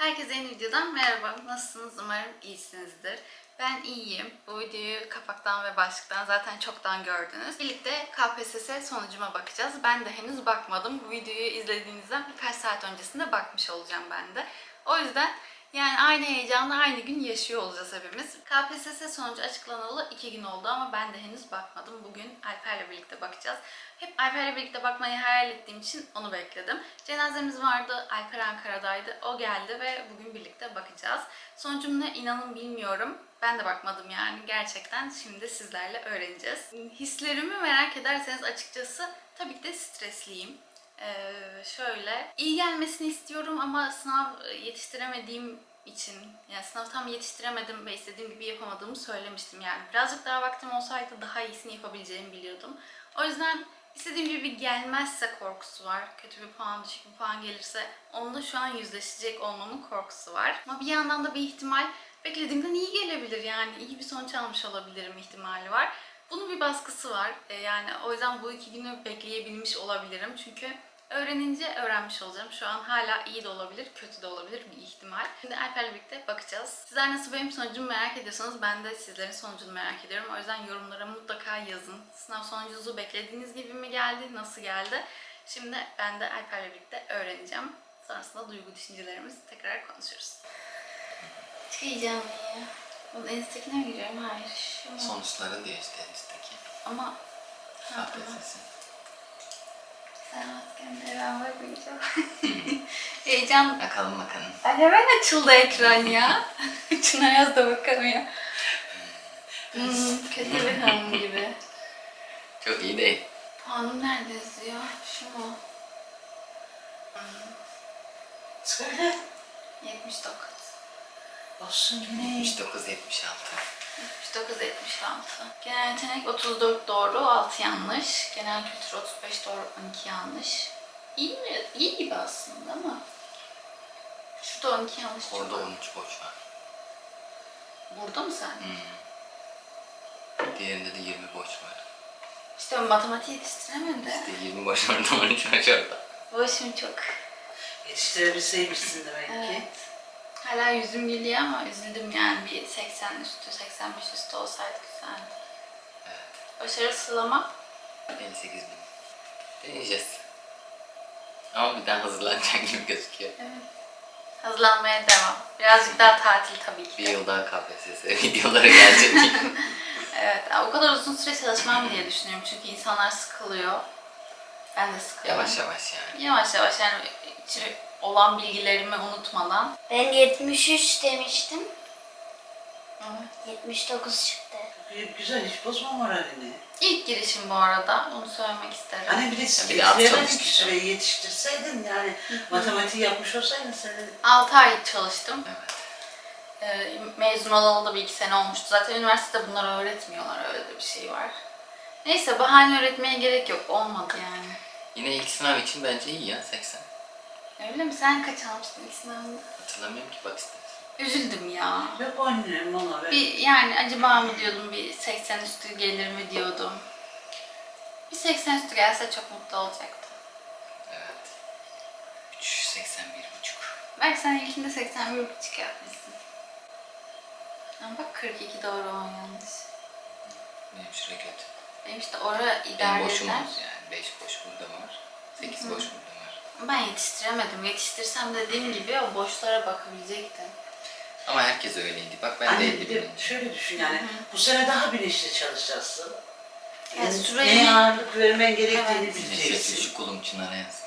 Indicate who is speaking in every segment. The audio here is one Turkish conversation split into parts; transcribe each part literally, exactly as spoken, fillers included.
Speaker 1: Herkese yeni videodan merhaba. Nasılsınız? Umarım iyisinizdir. Ben iyiyim. Bu videoyu kapaktan ve başlıktan zaten çoktan gördünüz. Birlikte K P S S sonucuma bakacağız. Ben de henüz bakmadım. Bu videoyu izlediğinizden birkaç saat öncesinde bakmış olacağım ben de. O yüzden yani aynı heyecanı aynı gün yaşıyor olacağız hepimiz. K P S S sonucu açıklanalı iki gün oldu ama ben de henüz bakmadım. Bugün Alper'le birlikte bakacağız. Hep Alper'le birlikte bakmayı hayal ettiğim için onu bekledim. Cenazemiz vardı, Alper Ankara'daydı. O geldi ve bugün birlikte bakacağız. Sonucum ne inanın bilmiyorum. Ben de bakmadım yani gerçekten. Şimdi sizlerle öğreneceğiz. Hislerimi merak ederseniz açıkçası tabii ki de stresliyim. Ee, şöyle, iyi gelmesini istiyorum ama sınav yetiştiremediğim için, yani sınav tam yetiştiremedim ve istediğim gibi yapamadığımı söylemiştim yani. Birazcık daha vaktim olsaydı daha iyisini yapabileceğimi biliyordum. O yüzden istediğim gibi gelmezse korkusu var. Kötü bir puan, düşük bir puan gelirse onunla şu an yüzleşecek olmamın korkusu var. Ama bir yandan da bir ihtimal beklediğimden iyi gelebilir yani. İyi bir sonuç almış olabilirim ihtimali var. Bunun bir baskısı var. Ee, yani o yüzden bu iki günü bekleyebilmiş olabilirim. Çünkü öğrenince öğrenmiş olacağım. Şu an hala iyi de olabilir, kötü de olabilir bir ihtimal. Şimdi Alper'le birlikte bakacağız. Sizler nasıl benim sonucumu merak ediyorsanız ben de sizlerin sonucunu merak ediyorum. O yüzden yorumlara mutlaka yazın. Sınav sonucunuzu beklediğiniz gibi mi geldi, nasıl geldi? Şimdi ben de Alper'le birlikte öğreneceğim. Sonrasında duygu düşüncelerimizi tekrar konuşuruz. Çok heyecanlıyım ya. Bunun en üsttekine mi giriyorum? Hayır. Şu
Speaker 2: Sonuçları diyor işte en üstteki.
Speaker 1: Ama
Speaker 2: K P S S.
Speaker 1: sen maskende ben bakmayacağım. Heyecan.
Speaker 2: Bakalım bakalım.
Speaker 1: Ay hemen açıldı ekran ya. Çınar Yaz da bakamıyor. Hmm, kötü bir hanım gibi.
Speaker 2: Çok iyi değil.
Speaker 1: Puanım nerede yazıyor? Şu mu?
Speaker 3: Söyle.
Speaker 1: yetmiş dokuz.
Speaker 3: Olsun yine.
Speaker 2: yetmiş dokuz yetmiş altı.
Speaker 1: yetmiş dokuz yetmiş altı. Genel yetenek otuz dört doğru, altı yanlış. Genel kültür otuz beş doğru, on iki yanlış. İyi mi? İyi gibi aslında ama. Şurada on iki yanlış çok.
Speaker 2: Orada on üç boş var.
Speaker 1: Burada mı sen?
Speaker 2: Hmm. Diğerinde de yirmi boş var.
Speaker 1: İşte matematiği yetiştiremedi.
Speaker 2: İşte yirmi boş orada, on üç boş orada.
Speaker 1: Boşum çok.
Speaker 3: Yetiştirebilseymişsin demek
Speaker 1: Evet.
Speaker 3: ki.
Speaker 1: Hala yüzüm gülüyor ama üzüldüm yani bir seksen üstü, seksen beş üstü olsaydı güzeldi.
Speaker 2: Evet.
Speaker 1: Başarı sıralama
Speaker 2: elli sekiz bin. Deneyeceğiz. Ama bir daha hazırlanacak gibi gözüküyor.
Speaker 1: evet. Hazırlanmaya devam. Birazcık daha tatil tabii ki.
Speaker 2: Bir yıl daha K P S S videoları gelecek.
Speaker 1: Evet, o kadar uzun süre çalışmam diye düşünüyorum çünkü insanlar sıkılıyor. Ben de sıkılıyorum.
Speaker 2: Yavaş yavaş yani.
Speaker 1: Yavaş yavaş yani içi olan bilgilerimi unutmadan.
Speaker 4: Ben yetmiş üç demiştim.
Speaker 1: Evet.
Speaker 4: yetmiş dokuz çıktı.
Speaker 3: Gayet güzel, hiç bozma moralini.
Speaker 1: İlk girişim bu arada, onu söylemek isterim.
Speaker 3: Hani bir de
Speaker 2: Bir de az
Speaker 3: yetiştiremedin
Speaker 2: çalışmışsın.
Speaker 3: ki süreyi yetiştirseydin yani matematiği yapmış olsaydın senin.
Speaker 1: altı ay çalıştım.
Speaker 2: Evet.
Speaker 1: Ee, mezun olalı da bir iki sene olmuştu. Zaten üniversitede bunları öğretmiyorlar, öyle de bir şey var. Neyse bahane öğretmeye gerek yok, olmadı yani.
Speaker 2: Yine ilk sınav için bence iyi ya, seksen.
Speaker 1: Öyle mi? Sen kaç almıştın ilk sınavında?
Speaker 2: Hatırlamıyorum ki, bak istersen.
Speaker 1: Üzüldüm ya.
Speaker 3: Yok annem ona ver.
Speaker 1: Bir yani acaba mı diyordum, bir seksen üstü gelir mi diyordum. Bir seksen üstü gelse çok mutlu olacaktım.
Speaker 2: Evet. üç seksen bir buçuk.
Speaker 1: Belki sen ilkinde seksen bir buçuk yapmışsın. Ama bak kırk iki doğru, on yanlış.
Speaker 2: Benim şuraya kötü.
Speaker 1: Benim işte ora
Speaker 2: Benim
Speaker 1: idare
Speaker 2: boşum
Speaker 1: eder.
Speaker 2: var yani. beş boş burada var. sekiz boş burada var.
Speaker 1: Ben yetiştiremedim. Yetiştirsem dediğim gibi o boşlara bakabilecektim.
Speaker 2: Ama herkes öyleydi. Bak ben de
Speaker 3: Anne
Speaker 2: elli
Speaker 3: bir de
Speaker 2: bininci.
Speaker 3: şöyle düşün yani bu sene daha bilinçli çalışacaksın.
Speaker 1: Yani
Speaker 3: Yani
Speaker 1: süreyi-
Speaker 3: neye ağırlık vermen gerektiğini
Speaker 1: Evet.
Speaker 3: bileceksin.
Speaker 2: Şu kulum Çınar'a yaz.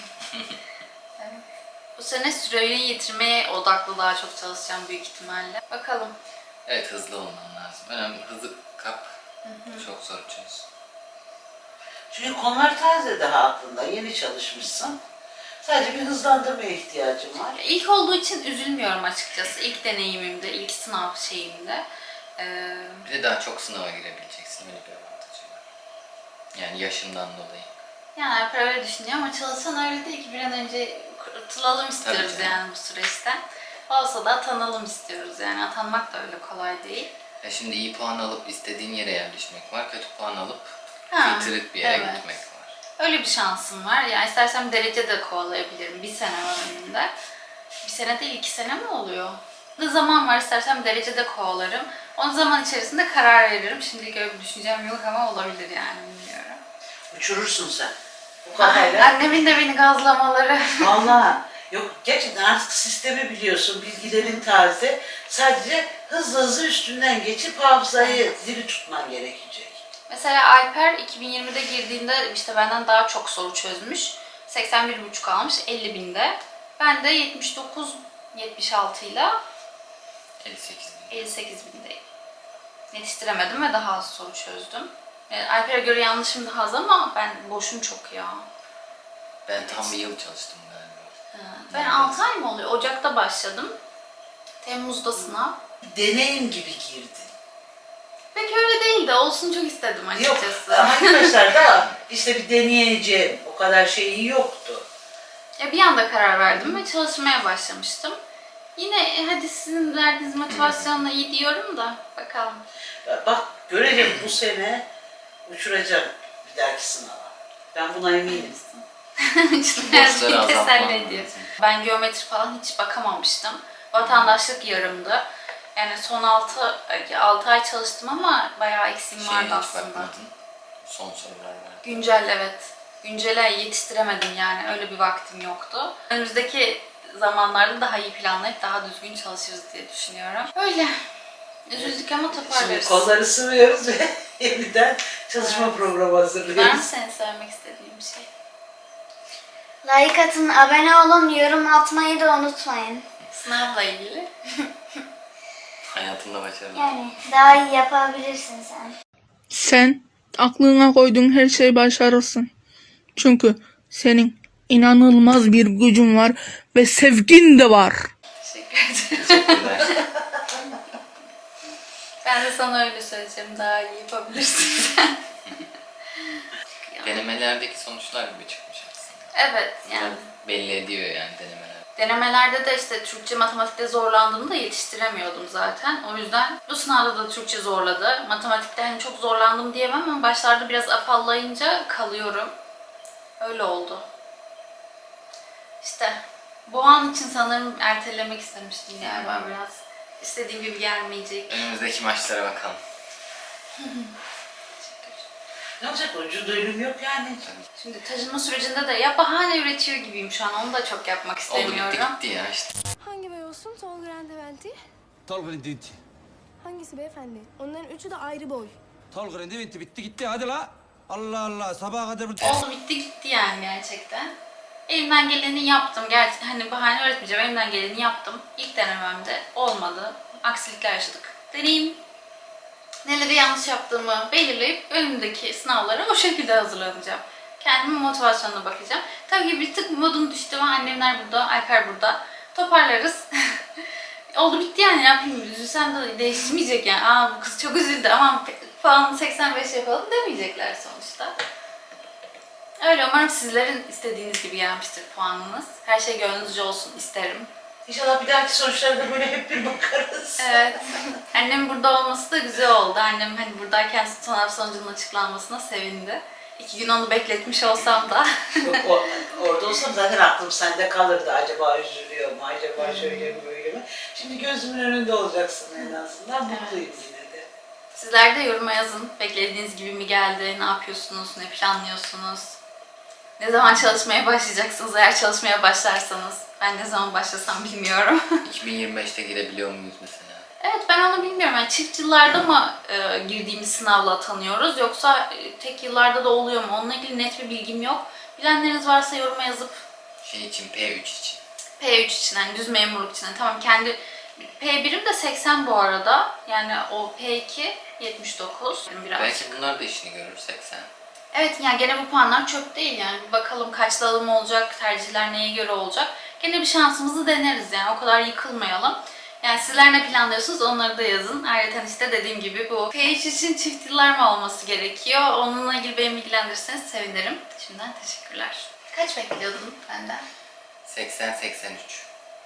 Speaker 1: Bu sene süreyi yitirmeye odaklı daha çok çalışacağım büyük ihtimalle. Bakalım.
Speaker 2: Evet, hızlı olman lazım. Önemli, hızlı kap. Çok zor çöz.
Speaker 3: Çünkü konular taze daha aklında, yeni çalışmışsın. Sadece bir hızlandırmaya ihtiyacım var.
Speaker 1: İlk olduğu için üzülmüyorum açıkçası. İlk deneyimimde, ilk sınav şeyimde. Ee,
Speaker 2: Bir de daha çok sınava girebileceksin. Öyle bir avantajı var. Yani yaşından dolayı.
Speaker 1: yani Alper öyle düşünüyor ama çalışan öyle değil ki. Bir an önce kurtulalım istiyoruz
Speaker 2: canım.
Speaker 1: yani bu süreçten. Olsa da atanalım istiyoruz yani. Atanmak da öyle kolay değil.
Speaker 2: Ya şimdi iyi puan alıp istediğin yere yerleşmek var. Kötü puan alıp
Speaker 1: Ha,
Speaker 2: filtrelip bir yere
Speaker 1: evet.
Speaker 2: gitmek var.
Speaker 1: Öyle bir şansım var. Yani istersem derece de kovalayabilirim. Bir sene var önümde. Bir sene değil, iki sene mi oluyor? Ne zaman var, istersem derecede kovalarım. O zaman içerisinde karar veririm. Şimdilik öyle bir düşüncem yok ama olabilir yani, bilmiyorum.
Speaker 3: Uçurursun sen. Bu
Speaker 1: Ah,
Speaker 3: kafayla.
Speaker 1: annemin de beni gazlamaları.
Speaker 3: Vallahi yok, gerçekten artık sistemi biliyorsun, bilgilerin taze. Sadece hızlı hızlı üstünden geçip hafızayı diri tutman gerekecek.
Speaker 1: Mesela Alper iki bin yirmide girdiğinde işte benden daha çok soru çözmüş. seksen bir buçuk almış elli binde. Ben de yetmiş dokuz yetmiş altı ile
Speaker 2: elli sekiz bin.
Speaker 1: elli sekiz bindeyim. Yetiştiremedim ve daha az soru çözdüm. Yani Alper'e göre yanlışım daha az ama ben boşum çok ya.
Speaker 2: Ben tam bir yıl çalıştım galiba.
Speaker 1: Ha, Ben altı ay mı oluyor? Ocak'ta başladım. Temmuz'da sınav.
Speaker 3: Deneyim gibi girdi.
Speaker 1: Pek öyle değil de olsun çok istedim
Speaker 3: Yok,
Speaker 1: açıkçası.
Speaker 3: arkadaşlar da işte bir deneyeceğim. O kadar şeyi yoktu.
Speaker 1: Ya bir anda karar verdim ve çalışmaya başlamıştım. Yine e, hadi sizin verdiğiniz motivasyonla iyi diyorum da bakalım.
Speaker 3: Bak görelim, bu sene uçuracağım bir dahaki sınava. Ben buna eminim.
Speaker 1: İşte her
Speaker 2: Borçları
Speaker 1: şeyi
Speaker 2: azaltman
Speaker 1: teselli ediyor.
Speaker 2: lazım.
Speaker 1: Ben geometri falan hiç bakamamıştım. Vatandaşlık yarımdı. Yani son altı ay çalıştım ama bayağı eksiğim
Speaker 2: Şeye
Speaker 1: vardı
Speaker 2: hiç
Speaker 1: aslında.
Speaker 2: bakmadın. Son sorular var.
Speaker 1: Güncel, evet. Güncele yetiştiremedim yani. Öyle bir vaktim yoktu. Önümüzdeki zamanlarda daha iyi planlayıp daha düzgün çalışırız diye düşünüyorum. Öyle. Üzüldük ama
Speaker 3: Şimdi
Speaker 1: toparlarız.
Speaker 3: kolları sıvıyoruz ve yeniden çalışma
Speaker 1: Evet.
Speaker 3: programı
Speaker 1: Var mı
Speaker 3: hazırlıyoruz.
Speaker 1: senin söylemek istediğin bir şey?
Speaker 4: Like atın, abone olun, yorum atmayı da unutmayın.
Speaker 1: Sınavla ilgili.
Speaker 2: Hayatında başarılı.
Speaker 4: Yani daha iyi yapabilirsin sen.
Speaker 5: Sen aklına koyduğun her şeyi başarırsın. Çünkü senin inanılmaz bir gücün var ve sevgin de var.
Speaker 1: Teşekkür ederim.
Speaker 2: Teşekkürler.
Speaker 1: Ben de sana öyle söyleyeceğim. Daha iyi yapabilirsin sen.
Speaker 2: Denemelerdeki sonuçlar gibi çıkmış aslında.
Speaker 1: Evet yani.
Speaker 2: Belli ediyor yani denemeler.
Speaker 1: Denemelerde de işte Türkçe, matematikte zorlandığımda yetiştiremiyordum zaten. O yüzden bu sınavda da Türkçe zorladı. Matematikte hani çok zorlandım diyemem ama başlarda biraz afallayınca kalıyorum. Öyle oldu. İşte bu an için sanırım ertelemek istemiştim galiba biraz. İstediğim gibi gelmeyecek.
Speaker 2: Önümüzdeki maçlara bakalım.
Speaker 3: Ne olacak, ucunda ölüm yok yani.
Speaker 1: Şimdi taşınma sürecinde de ya bahane üretiyor gibiyim şu an. Onu da çok yapmak
Speaker 2: Oldu
Speaker 1: istemiyorum.
Speaker 2: bitti gitti ya işte.
Speaker 6: Hangi bey olsun? Tol Grandeventi?
Speaker 7: Tol Grandinti.
Speaker 6: Hangisi beyefendi? Onların üçü de ayrı boy.
Speaker 7: Tol Grandinti bitti gitti hadi la. Allah Allah sabaha kadar bu...
Speaker 1: Oldu bitti gitti yani gerçekten. Elimden geleni yaptım. Gerçi hani bahane öğretmeyeceğim. Elimden geleni yaptım. İlk denememde olmadı. Aksilikler yaşadık. Deneyim. Neleri yanlış yaptığımı belirleyip önümdeki sınavlara o şekilde hazırlanacağım. Kendimin motivasyonuna bakacağım. Tabii ki bir tık modum düştü ama annemler burada, Alper burada. Toparlarız. Oldu bitti yani, ne yapayım, üzülsem de değişmeyecek yani. Aa bu kız çok üzüldü, aman puanı seksen beş yapalım demeyecekler sonuçta. Öyle, umarım sizlerin istediğiniz gibi gelmiştir puanınız. Her şey gönlünüzce olsun isterim.
Speaker 3: İnşallah bir dahaki sonuçlara da böyle hep bir bakarız.
Speaker 1: Evet. Annem burada olması da güzel oldu. Annem hani buradayken sınav sonucunun açıklanmasına sevindi. İki gün onu bekletmiş olsam da.
Speaker 3: Yok, o, orada olsam zaten aklım sende kalırdı. Acaba üzülüyor mu? Acaba şöyle mi böyle mi? Şimdi gözümün önünde olacaksın en azından. Mutluyum yine de.
Speaker 1: Sizler de yoruma yazın. Beklediğiniz gibi mi geldi? Ne yapıyorsunuz? Ne planlıyorsunuz? Ne zaman çalışmaya başlayacaksınız? Eğer çalışmaya başlarsanız. Ben ne zaman başlasam bilmiyorum.
Speaker 2: iki bin yirmi beşte girebiliyor muyuz mesela?
Speaker 1: Evet, ben onu bilmiyorum. Yani çift yıllarda mı e, girdiğimiz sınavla atanıyoruz yoksa e, tek yıllarda da oluyor mu? Onunla ilgili net bir bilgim yok. Bilenleriniz varsa yoruma yazıp
Speaker 2: Şey için, P üç için.
Speaker 1: P üç için, yani düz memurluk için. Yani tamam, kendi P birim de seksen bu arada. Yani o P iki yetmiş dokuz. Yani biraz.
Speaker 2: Belki bunlar da işini görür seksen.
Speaker 1: Evet, yani gene bu puanlar çöp değil yani. Bir bakalım kaçlı alım olacak, tercihler neye göre olacak. Gene bir şansımızı deneriz yani, o kadar yıkılmayalım. Yani sizler ne planlıyorsunuz onları da yazın. Ayrıca işte dediğim gibi bu P üç için çift yıllar mı olması gerekiyor? Onunla ilgili beni bilgilendirirseniz sevinirim. Şimdiden teşekkürler. Kaç bekliyordun benden?
Speaker 2: seksen seksen üç.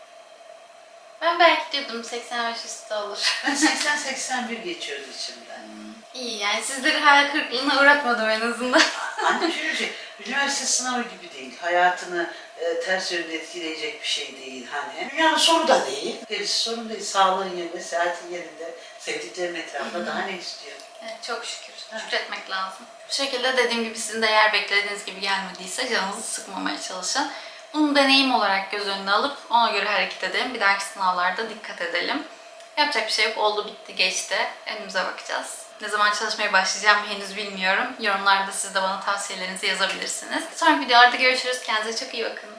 Speaker 1: Ben belki diyordum seksen beş üstü olur.
Speaker 3: Ben seksen seksen bir geçiyordu içimden.
Speaker 1: İyi yani, sizleri hayal kırıklığına uğratmadım en azından.
Speaker 3: Anne şöyle bir şey, üniversite sınavı gibi değil. Hayatını e, ters yönde etkileyecek bir şey değil hani. Dünyanın sonu da değil. Gerisi sorun değil. Sağlığın yerinde, sıhhatin yerinde, sevdiklerin etrafında daha ne istiyor?
Speaker 1: Evet, çok şükür. Şükretmek lazım. Bu şekilde dediğim gibi sizin de eğer beklediğiniz gibi gelmediyse canınızı sıkmamaya çalışın. Bunu deneyim olarak göz önüne alıp ona göre hareket edelim. Bir dahaki sınavlarda dikkat edelim. Yapacak bir şey yok. Oldu bitti geçti. Önümüze bakacağız. Ne zaman çalışmaya başlayacağım henüz bilmiyorum. Yorumlarda siz de bana tavsiyelerinizi yazabilirsiniz. Sonraki videolarda görüşürüz. Kendinize çok iyi bakın.